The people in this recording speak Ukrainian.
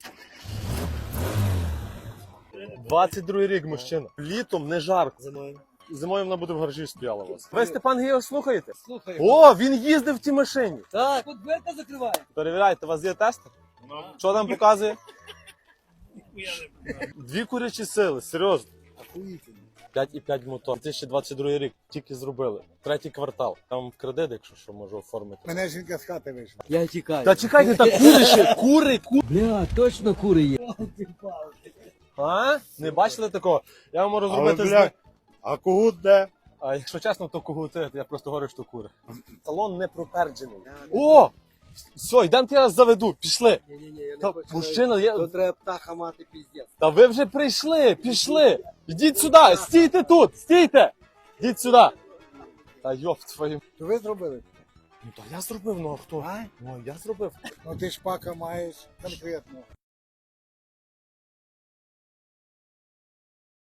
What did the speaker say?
22-й рік, мужчина. Літом не жарко. Зимою вона буде в гаражі стояла у вас. Ви Степан Гео слухаєте? Слухай. О, він їздив в тій машині. Так, от дверка закриває. Перевіряйте, у вас є тестер? Що там показує? Дві курячі сили, серйозно. 5,5 мотор. 2022 рік тільки зробили. Третій квартал. Там в кредит, якщо що, можу оформити. Мене жінка з хати вийшла. Я тікаю. Та чекайте, та кури ще, кури. Бля, точно кури є. А? Не бачили такого? Я вам можу Але, зробити бля, а когут де? А якщо чесно, то когути, я просто говорю, що кури. Салон не проперджений. О! Все, йдемо я вас заведу, пішли. Ні-ні-ні, я Та, не хочу. мужчина, я... То треба птаха мати піздець. Та ви вже прийшли, пішли. Йдіть сюди, стійте тут, стійте. Йдіть сюди. Та йоп твою. То ви зробили? Ну то я зробив, ну а хто? А? Ну я зробив. Ну ти шпака маєш конкретно.